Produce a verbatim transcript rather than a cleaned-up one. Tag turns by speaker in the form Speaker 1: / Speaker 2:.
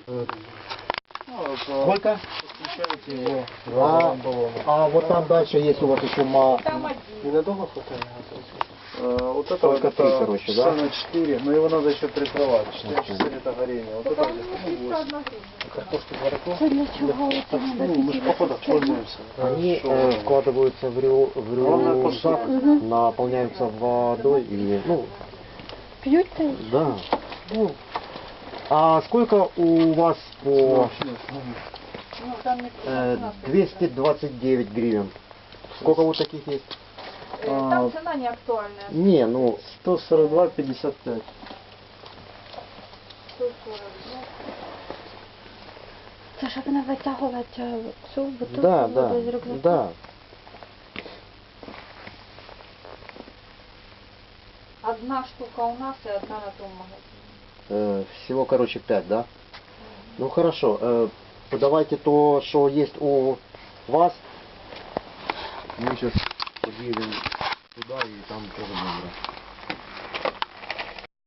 Speaker 1: Сколько?
Speaker 2: Подключаете его
Speaker 1: А,
Speaker 2: баллону.
Speaker 1: а вот там дальше есть у вас еще ма...
Speaker 3: Там один.
Speaker 2: Ненадолго хватает? А, вот это
Speaker 1: Только
Speaker 2: вот
Speaker 1: три,
Speaker 2: это
Speaker 1: короче, да?
Speaker 2: на четыре, но его надо еще прикрывать. четыре часа это горение. Вот
Speaker 3: Только
Speaker 2: это
Speaker 3: у
Speaker 2: где-то
Speaker 3: меня
Speaker 2: ну,
Speaker 3: чисто
Speaker 2: восемь.
Speaker 3: одновременно.
Speaker 2: Картошку жарко.
Speaker 4: Це для чого це
Speaker 2: Ну,
Speaker 4: надо
Speaker 2: мы же походах пользуемся.
Speaker 1: Они
Speaker 2: Что,
Speaker 1: э, вкладываются в, рю, в
Speaker 2: Главное,
Speaker 1: рюкзак,
Speaker 4: Мгм.
Speaker 1: наполняются водой и, ну,
Speaker 4: П'ють та й
Speaker 1: да. Ну, а сколько у вас по
Speaker 3: Ну, там не
Speaker 1: э,
Speaker 3: цена
Speaker 1: двести двадцать девять гривен? Сколько вот таких есть?
Speaker 3: Э, Там цена не актуальная.
Speaker 1: Не, ну,
Speaker 2: сто сорок два пятьдесят пять.
Speaker 3: сто сорок. Ну,
Speaker 4: це щоб не витягувати е, цю бутилку
Speaker 1: да,
Speaker 4: води з
Speaker 1: да,
Speaker 4: рюкзака.
Speaker 1: да.
Speaker 3: одна штука у нас и одна на том магазине.
Speaker 1: Э, всего, короче, пять, да? Ну, хорошо. Э, давайте то, что есть у вас. Мы сейчас подъедем туда и там тоже будем брать.